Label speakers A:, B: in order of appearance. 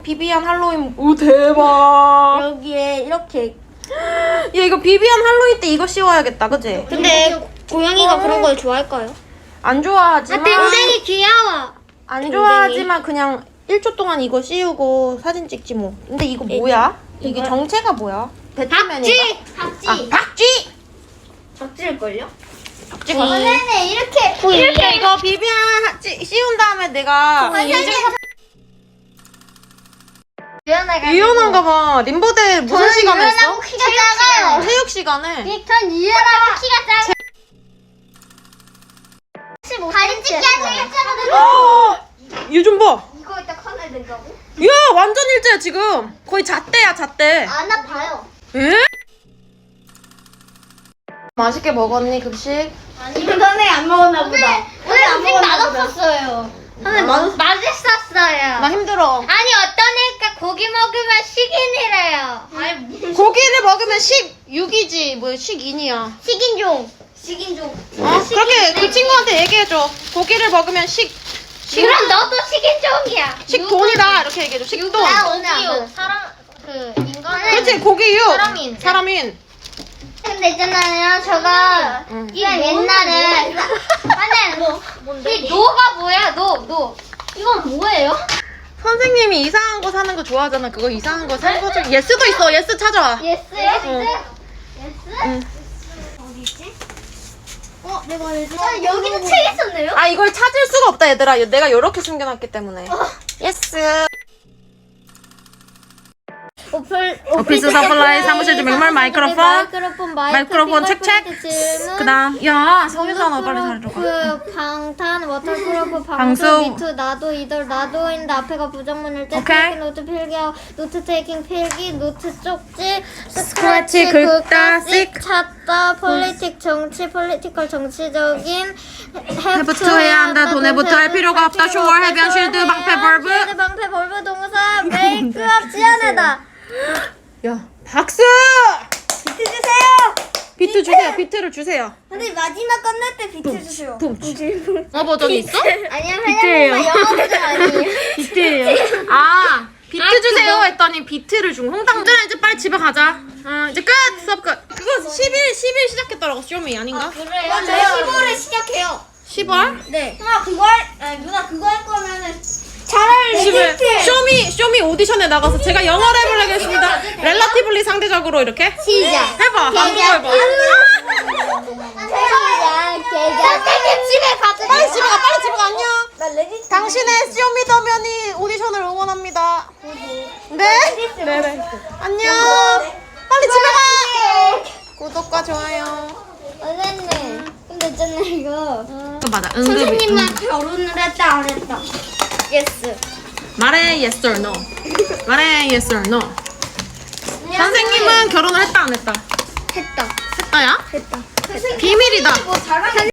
A: 비비안 할로윈. 오 대박.
B: 여기에 이렇게.
A: 야 이거 비비안 할로윈 때 이거 씌워야겠다, 그치?
B: 근데 고양이가 그런 걸 좋아할까요?
A: 안 좋아하지만
B: 댕댕이 귀여워.
A: 안 좋아하지만 그냥 1초 동안 이거 씌우고 사진 찍지 뭐. 근데 이거 뭐야? 이게 정체가 뭐야? 배트맨인가?
B: 박쥐.
A: 박쥐!
B: 박쥐일걸요?
A: 박쥐가.
B: 선생님 이렇게
A: 야 이거 비비안 씌운 다음에 내가 유연한가 봐. 림보대 무슨 시간에 했어?
B: 키가 작아요.
A: 체육 시간에.
B: 전 유연하고 키가 작아요. 다리 찢기 하는
A: 얘 좀 봐.
B: 이거 이따 커널 된다고?
A: 야 완전 일제야 지금. 거의 잣대야 잣대.
B: 안 아파요.
A: 에? 맛있게 먹었니 급식?
B: 아니 선생님 안 먹었나 보다. 오늘 음식 맛없었어요. 선생님 맛있었어요.
A: 나 힘들어.
B: 아니 어떤 애가 고기 먹으면 식인이래요. 아니
A: 고기를 먹으면 16이지 뭐 12이야.
B: 식인종. 식인종.
A: 어? 그렇게 그 친구한테 얘기해줘. 고기를 먹으면
B: 그럼 너도 식인종이야.
A: 식돈이다 이렇게 얘기해줘. 식돈.
B: 오지요. 사람 그 인간은.
A: 그렇지 고기유.
B: 사람인.
A: 사람인.
B: 근데 있잖아요, 저가 이 옛날에 이 노가 뭐야, 노. 이건 뭐예요?
A: 선생님이 이상한 거 사는 거 좋아하잖아. 그거 이상한 거 산 거 중 예스도 있어. 예스 찾아와.
B: 예스?
A: 응.
B: 어디지? 내가 알지? 여기는 책 있었네요?
A: 아 이걸 찾을 수가 없다 얘들아. 내가 이렇게 숨겨놨기 때문에. 예스. 오피스 서플라이 사무실 좀 맥말 마이크로폰 책책. 그다음 야 성유산아 빨리 잘해줘.
B: 방탄 워터프루프
A: 방수.
B: 방수 미투 나도 이들 나도인데 앞에가 부정문일 때
A: 오케이.
B: 필기 노트 필기 노트 테이킹 필기 노트 쪽지
A: 스크래치 긁다 씩
B: 찾다 폴리틱 정치 폴리티컬 정치적인
A: 해부투 해야 한다 돈 해부투 할 필요가 없다 쇼월 해변 쉴드 방패 벌브.
B: 쉴드 방패 벌브 동사 메이크업 지어내다.
A: 야 박수.
B: 비트 주세요.
A: 비트 주세요. 비트를 주세요.
B: 근데 마지막 끝날 때 비트 주세요.
A: 영어 버전이 있어?
B: 아니요,
A: 비트예요.
B: 그냥 영어 버전 아니에요.
A: 비트예요. 아 비트 주세요 했더니 비트를 준 홍당들아 이제 빨리 집에 가자. 이제 끝 수업 끝. 그거 10일 시작했더라고 쇼미 아닌가?
B: 그래요? 맞아요. 15일에 시작해요.
A: 10월?
B: 네. 누나 그거 할 거면은 차라리
A: 10일 쇼미 오디션에 나가서 제가 영어 랩을 하겠습니다. 렐라티블리 상대적으로 이렇게
B: 시작.
A: 해봐. 한국어 해봐.
B: 선생님 집에 가자.
A: 빨리 집에 가. 빨리 집에 가. 안녕. 당신의 쇼미더머니 오디션을 응원합니다. 네? 네네. 안녕. 빨리 집에 가. 구독과 좋아요.
B: 선생님. 근데 있잖아요 이거.
A: 또 맞아.
B: 선생님과 결혼을 했다 안 했다. 예스.
A: 말해 yes or no. 말해 yes or no. 선생님은 결혼을 했다 안 했다?
B: 했다.
A: 했다야?
B: 했다.
A: 비밀이다.
B: 선생님